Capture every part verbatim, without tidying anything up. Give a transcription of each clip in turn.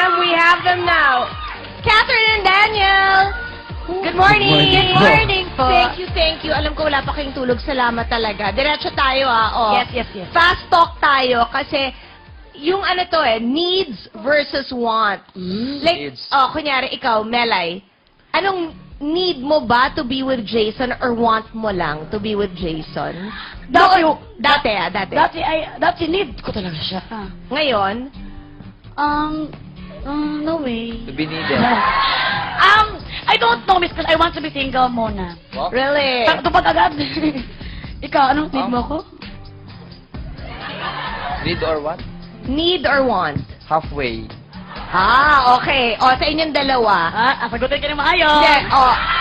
them. We have them now. Catherine and Daniel. Good morning. Good morning po. Thank you, thank you. Alam ko wala pa kayong tulog. Salamat talaga. Diretso tayo ah. Oh. Yes, yes, yes. Fast talk tayo kasi yung ano to eh, needs versus want. Like, Needs. oh, kunyari ikaw, Melay, anong need mo ba to be with Jason or want mo lang to be with Jason? Dati, Noon- dati ah, dati. dati, ay, dati need ko talaga siya. Ah. Ngayon, Um, um, no way. To be needed. Um, I don't know, miss, because I want to be single muna. What? really? Pero tupad agad. Ikaw, anong need mo ko? Need or what? Need or want? Halfway. Ah, okay. O, sa inyong dalawa. Ah, sagutin ka na maayos. Hindi, o.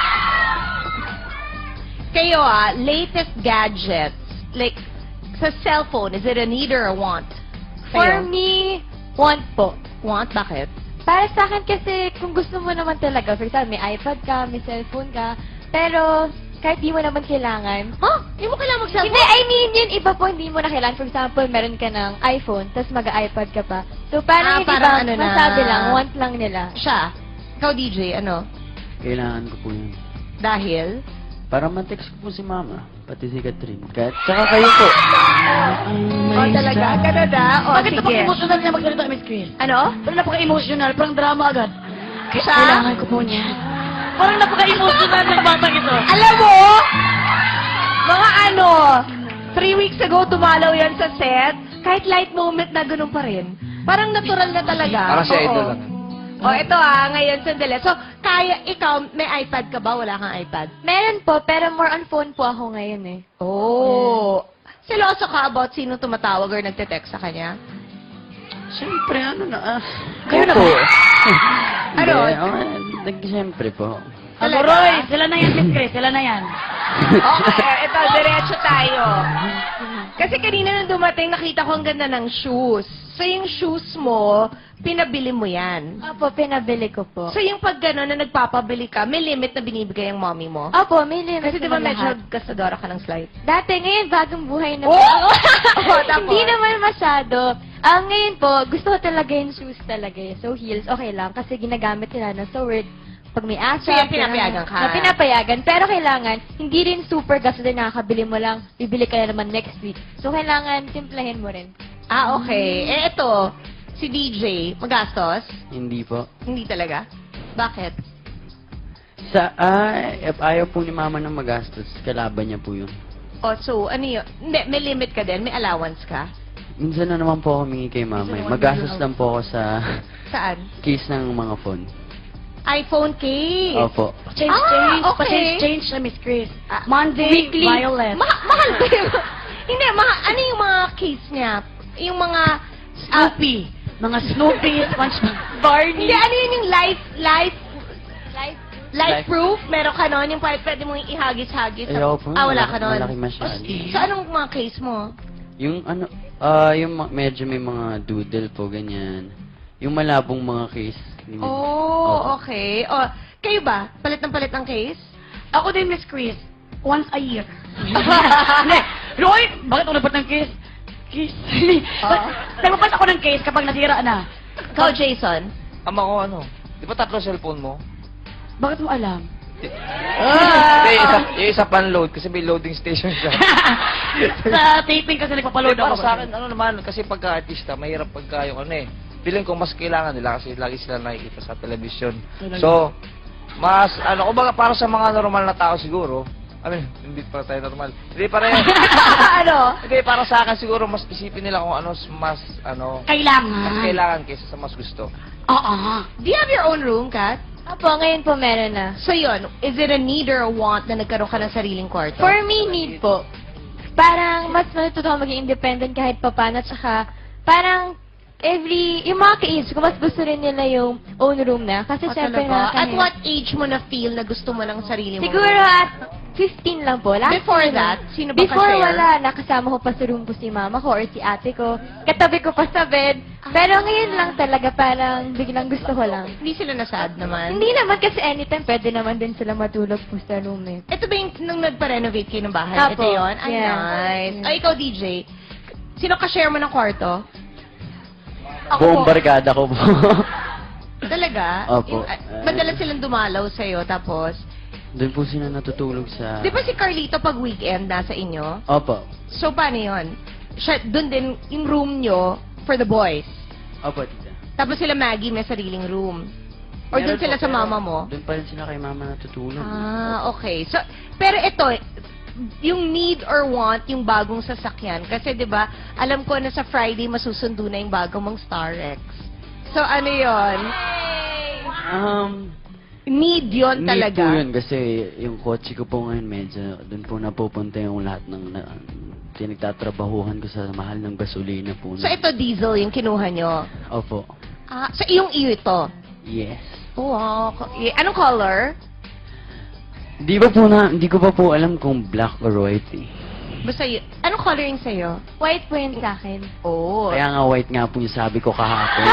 Kayo ah, latest gadgets. Like, sa cellphone, is it a need or a want? For Sa'yo? me, want po. Want? Bakit? Para sa akin kasi, kung gusto mo naman talaga, for example, may iPad ka, may cellphone ka, pero kahit di mo naman kailangan. Huh? Hindi mo kailangan mag-cellphone? Hindi, I mean, yun iba po, hindi mo na kailangan. For example, meron ka ng iPhone, tapos mag-iPad ka pa. So, Ah, parang hindi parang ba, ano na. masabi lang, want lang nila. Siya. Ikaw, D J, ano? Kailangan ko po yun. Dahil? Para ma-text ko po si Mama, pati si Catherine. Kahit, tsaka kayo po. O, talaga? Ganun na? O, Bakit sige. napaka-emotional niya magsalita, Miss Chris? Ano? Parang napaka-emotional, parang drama agad. Kaya Siya? kailangan ko po niya. Parang napaka-emotional ng batang ito. Alam mo, mga ano, three weeks ago, tumalaw yan sa set. Kahit light moment na ganun pa rin. Parang natural na talaga. Parang si Oo. idol lang. O, ito ah, ngayon, sandali. So, kaya, ikaw, may iPad ka ba? Wala kang iPad? Meron po, pero more on phone po ako ngayon eh. Oh. Seloso ka about sino tumatawag or nagte-text sa kanya? Siyempre, ano na, ah. Kayo na po. ba? Ano? Hindi, oh, nag- Siyempre po. Aburoy, sila na yan, Miss Chris, sila na yan. Okay, ito, diretso tayo. Kasi kanina nung dumating, nakita ko ang ganda ng shoes. So, yung shoes mo, pinabili mo yan. Opo, pinabili ko po. So, yung pag gano'n na nagpapabili ka, may limit na binibigay ang mommy mo? Opo, may limit Kasi di ba naman medyo lahat. gastadora ka ng slide? Dati, ngayon, bagong buhay na Oh! po. Oh, tapos? Hindi naman masyado. Ah, ngayon po, gusto ko talaga yung shoes talaga eh. So, heels, okay lang. Kasi ginagamit nila na so worth. Pag may asa, So, yan, pinapayagan ka? Na pinapayagan. Pero kailangan, hindi rin super gasto din nakakabili mo lang. Bibili ka na naman next week. So, kailangan, timplahin mo rin. Ah, okay. Eh, ito, si D J, magastos? Hindi po. Hindi talaga? Bakit? Sa, ah, if ayaw po ni Mama ng magastos, kalaban niya po yun. O, so, ano yun? Hindi, may limit ka din? May allowance ka? Minsan na naman po ako humingi kay Mama. eh. Magastos lang po ako sa Saan? case ng mga phone. iPhone case. Opo. Change, Ah, change, okay. pa-change, change siya, Miss Chris. Ah, Monday, Weekly. Violet. Ma- mahal ba yun? Hindi, ma- ano yung mga case niya? Yung mga... ah, Snoopy. Mga Snoopy, SpongeBob, Barney. hindi, ano yun yung life, life, Life. life Life- proof? Meron ka nun? Yung pwede, pwede mong ihagis-hagis? Ayoko po. Ah, wala malaki- ka nun? Malaki masyado. So, anong mga case mo? Yung ano, ah, yung ma- medyo may mga doodle po, ganyan. Yung malabong mga case. Ganyan. Oh, Opo. okay. O, kayo ba? Palit ng palit ng case? Ako din, Miss Chris. Once a year. Hindi. Roy, bakit ako nagpat ng case? Case. Oo. Nagpapas ako ng case kapag nasira na. Ikaw, Jason? Ama ko ano? Di ba tatlo cellphone mo? Bakit mo alam? Hindi, yung isa, yung isa pan-load kasi may loading station siya. Sa taping kasi nagpapaload Para ako. sa akin, ano naman, kasi pagka-artista, mahirap pagka yung ano eh. Feeling ko mas kailangan nila kasi lagi sila nakikita sa television. So, mas, ano, kumbaga para sa mga normal na tao siguro, I mean, hindi para tayo normal. Hindi para ano? Hindi, para sa akin siguro, mas isipin nila kung ano mas, ano, Kailangan. mas kailangan kaysa sa mas gusto. Oo. Do you have your own room, Kat? Opo, ngayon po meron na. So yun, is it a need or a want na nagkaroon ka ng sariling kwarto? For me, need po. Parang mas matututo ako maging independent kahit papano. Tsaka, parang every, yung mga ka-age ko, mas gusto rin nila yung own room na. Kasi Ah, syempre talaga? At nakakahiya. what age mo na feel na gusto mo ng sarili mo? Siguro at fifteen lang po. Last Before year. that, sino ba Before ka-share? wala, nakasama ko pa sa room ko si mama ko or si ate ko. Katabi ko pa sa bed. Pero ngayon lang talaga parang biglang gusto ko lang. Hindi sila nasad naman? Hindi naman kasi anytime pwede naman din sila matulog po sa room eh. Ito ba yung nung nagpa-renovate kayo ng bahay? Apo. Ito yun? Ay, Yeah. nice. Ay, ikaw, D J. Sino ka-share mo ng kwarto? Buong barkada ko po. Talaga? Opo. Yung, ah, madalas silang dumalaw sa'yo, tapos... Doon po sila natutulog sa... Di ba si Carlito pag weekend nasa inyo? Opo. So, paano yun? Siya, doon din yung room nyo for the boys. Opo, tita. Tapos sila Maggie may sariling room. Or Meron doon sila po, sa pero mama mo? Doon pa rin sila kay mama natutulog. Ah, okay. So, pero ito, yung need or want yung bagong sasakyan. Kasi 'di ba, alam ko na sa Friday masusundo na yung bago mong Starex. So ano 'yon? Um, Need 'yon need talaga. po yun kasi yung kotse ko po ngayon medyo doon po napupunta yung lahat ng na, pinagtatrabahuhan ko sa mahal ng gasolina po. So ito diesel yung kinuha nyo. Opo. Ah, so iyong iyo ito. Yes. Oh, wow. Eh, Anong color? Di ba po na, hindi ko pa po alam kung black or white eh. Basta y- Anong color yung sa'yo? White po yun sa akin. Oh. Kaya nga white nga po yung sabi ko kahapon.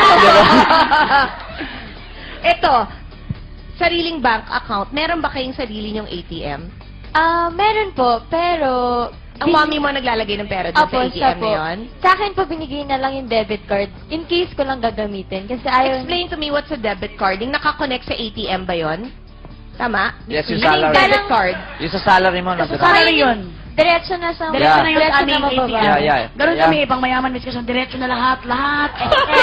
Ito, sariling bank account. Meron ba kayong sarili nyong A T M? Ah, meron po, pero... Ang mommy mo naglalagay ng pera doon Apo, sa A T siya M po. na yun? Sa akin po, binigay na lang yung debit card in case ko lang gagamitin. Kasi ayaw... Explain to me what's a debit card. Yung nakakonect sa A T M ba yun? Tama? Yes, yung Yun yung salary. debit card. Yung sa salary mo, Sa nasa salary yun. Diretso na sa... Diretso Yeah. na yun sa aming A T M. Yeah, yeah. Ganun Yeah. kami, pang mayaman, Miss Quezon, diretso na lahat, lahat.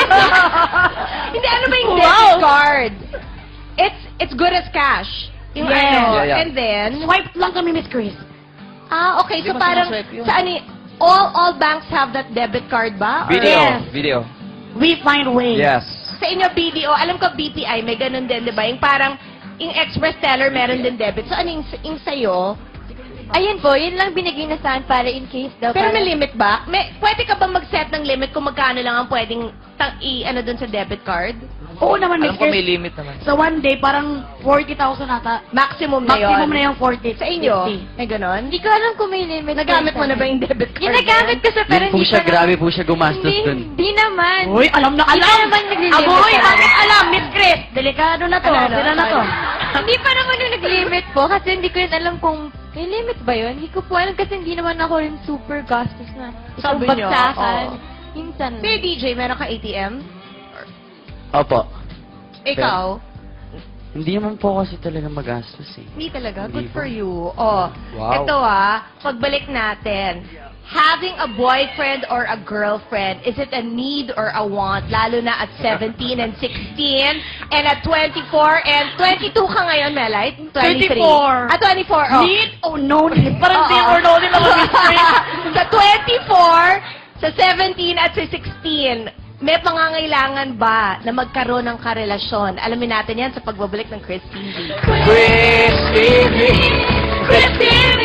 Hindi, ano ba yung Wow. debit card? It's it's good as cash. Yung Yes. ano, Yeah, yeah. and then... Swipe lang kami, Miss Chris. Ah, okay. So Hindi mo parang, sinaswipe yun. sa ano, y- all all banks have that debit card ba? Or- Video. Yes. Video. We find ways. Yes. Sa inyo, B D O, alam ko B P I, may ganun din, di ba? Yung parang, yung express teller meron din debit. So ano yung, yung sa'yo? Ayun po, yun lang binigay na sa akin para in case daw. Pero para- may limit ba? May, pwede ka ba mag-set ng limit kung magkano lang ang pwedeng tang, i, ano dun sa debit card? Oo naman, Miss Alam ko may Chris. limit naman. Sa one day, parang forty thousand ata. Maximum na yun. Maximum na yung forty. Sa inyo, fifty. may ganon? Hindi ko alam kung may limit. Nagamit sa mo na ba akin. yung debit card? Yung nagamit ko sa pero Yun po hindi siya, ko na- grabe po siya gumastos Hindi, dun. hindi naman. Uy, alam na Hindi alam. pa naman naglilimit Aboy, talaga. alam, alam, Miss Chris. Delikado na to. Ano, ano? Sila na to. Hindi pa naman yung nag-limit po kasi hindi ko rin alam kung may limit ba yun. Hindi ko po alam kasi hindi naman ako rin super gastos na isang Sabi niyo, bagsakan. oo. Minsan. Sa'yo, D J, meron ka A T M? Opo. Ikaw? Hindi naman po kasi talaga magastos eh. Hindi talaga. Good Hindi for po. you. Oh, Wow. ito ah, pagbalik natin. Having a boyfriend or a girlfriend, is it a need or a want? Lalo na at seventeen and sixteen and at twenty-four and twenty-two ka ngayon, Melay? twenty-three. twenty-four. Ah, twenty-four. Oh. Need or no need? Parang Oo. need or no need naman, Miss Chris. Sa twenty-four, sa seventeen at sa sixteen, may pangangailangan ba na magkaroon ng karelasyon? Alamin natin yan sa pagbabalik ng Chris T V. Chris T V. Chris T V!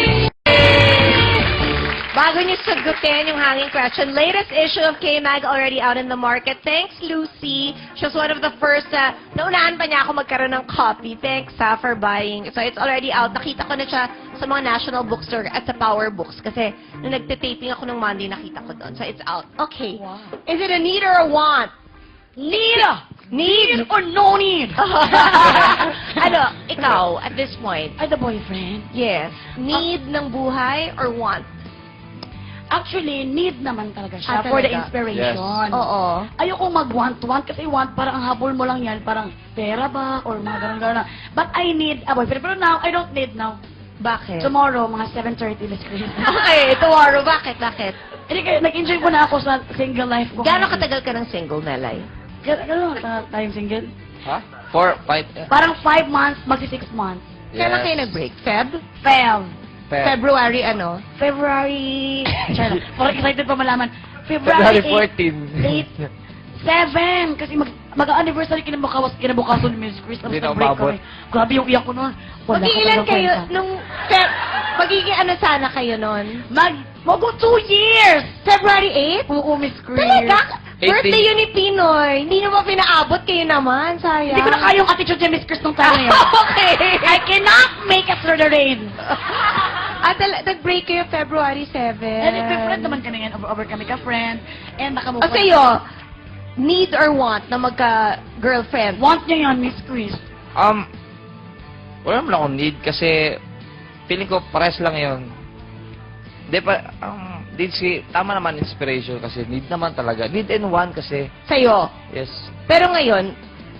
Bago niyo sagutin yung hanging question, latest issue of K-Mag already out in the market. Thanks, Lucy. She was one of the first, uh, naunahan pa niya ako magkaroon ng copy. Thanks, ha, for buying. So, it's already out. Nakita ko na siya sa mga national bookstore at sa Power Books. Kasi, nung nagtitaping ako nung Monday, nakita ko doon. So, it's out. Okay. Is it a need or a want? Need. Need? Need or no need? ano, ikaw, at this point, Ay, the boyfriend. yes, need ng buhay or want? Actually, need naman talaga siya Ah, for the talaga? inspiration. Oo. Ayoko mag-want-want kasi want, parang ang habol mo lang yan, parang pera ba, or mga ganun-ganun. But I need a boyfriend. Pero now, I don't need now. Bakit? Tomorrow, mga seven thirty, let's Chris. Okay, tomorrow. Bakit? Bakit? Hindi kayo, nag-enjoy ko na ako sa single life ko. Gano'ng katagal ka ng single, Melay? Gano'n gano'n ka tayong single? Ha? Four, five. eh. Parang five months, magsi-six months. Kailan Yes. kayo nag-break? Feb? Feb. Feb. February ano? February... Char, parang excited pa malaman. February February fourteen. eight, seven. Kasi mag, mag-anniversary kinabukawas, kinabukasan ni Miss Chris. Tapos Hindi na nag-break umabot. kami. Grabe yung iyak ko noon. Wala ka Mag-iilan talagang kayo kwenta. nung... Feb... Magiging ano sana kayo nun? Mag... Mago two years! February eighth? Oo, Miss Chris. Talaga? eighteen. Birthday yun ni Pinoy. Hindi naman pinaabot kayo naman. Sayang. Hindi ko na kaya yung attitude niya, Miss Chris, nung time na yun. Okay. I cannot make it through the rain. At nag-break kayo February seventh. And if friend naman kami yan, over, over kami ka-friend. And nakamove O sa'yo, need or want na magka-girlfriend? Want niya yan, Miss Chris. Um, wala naman akong need kasi feeling ko pares lang yun. Hindi pa, um, need si, tama naman inspiration kasi need naman talaga. Need and want kasi, Sa'yo. yes. Pero ngayon,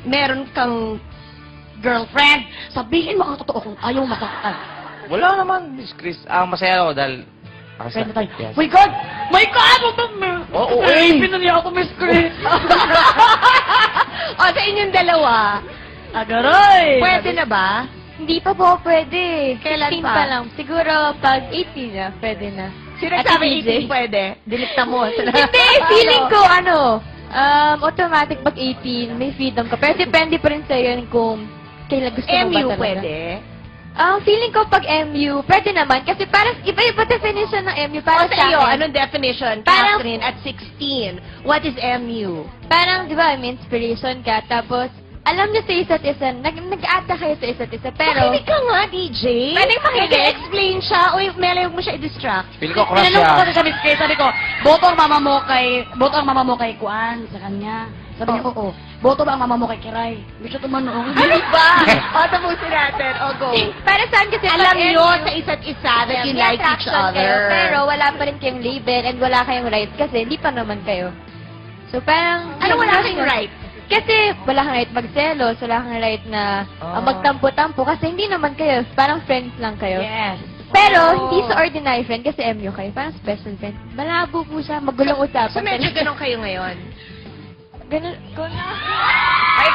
meron kang Girlfriend, sabihin mo ang totoo kung ayaw masaktan. Wala naman, Miss Chris. Ah, masaya ako dahil... Ah, Friend na tayo. yes. My God! My God! Huwag ba? Oo, eh! eh. Pinaniya ako, Miss Chris. o, sa inyong dalawa, Agaroy! pwede na ba? Hindi pa po pwede. Kailan sixteen pa? pa lang. Siguro pag eighteen na, pwede na. Sino At nagsabi D J? eighteen pwede? Dinikta mo. Hindi, feeling ko ano, um, automatic pag eighteen, may freedom ka. Pero depende pa rin sa'yo yun kung kailan gusto mo M ba U talaga. pwede? Um, feeling ko pag M U, pwede naman. Kasi parang iba-iba definition ng M U. O Para sa sa iyo, akin. anong definition? Parang- Catherine, at sixteen, what is M U? Parang, di ba, may inspiration ka. Tapos, alam niyo sa isa't isa, nag nag-ata kayo sa isa't isa. Pero, Makinig ka nga, D J. Pwede makinig. Nag-explain siya. Uy, Mela, huwag mo siya i-distract. Feel ko crush Tinanong ko kasi siya. sa Miss Chris, sabi ko, boto ang mama mo kay, boto ang mama mo kay Kuan, sa kanya. Sabi niya, oo. Boto ba ang mama mo kay Kiray? Hindi siya tumanong. Ano ba? o, tapusin natin. O, go. para saan kasi Alam pag nyo M U, sa isa't isa that you may like each attraction other. kayo, pero wala pa rin kayong label and wala kayong rights kasi hindi pa naman kayo. So, parang... Ano wala kayong right? Kasi wala kang right magselos, wala kang right na Ah. uh, magtampo-tampo kasi hindi naman kayo, parang friends lang kayo. Yes. Pero Oh. hindi sa ordinary friend kasi M U kayo, parang special friend. Malabo po siya, magulong usapan. So, medyo ganun kayo ngayon. Ganun, ganun.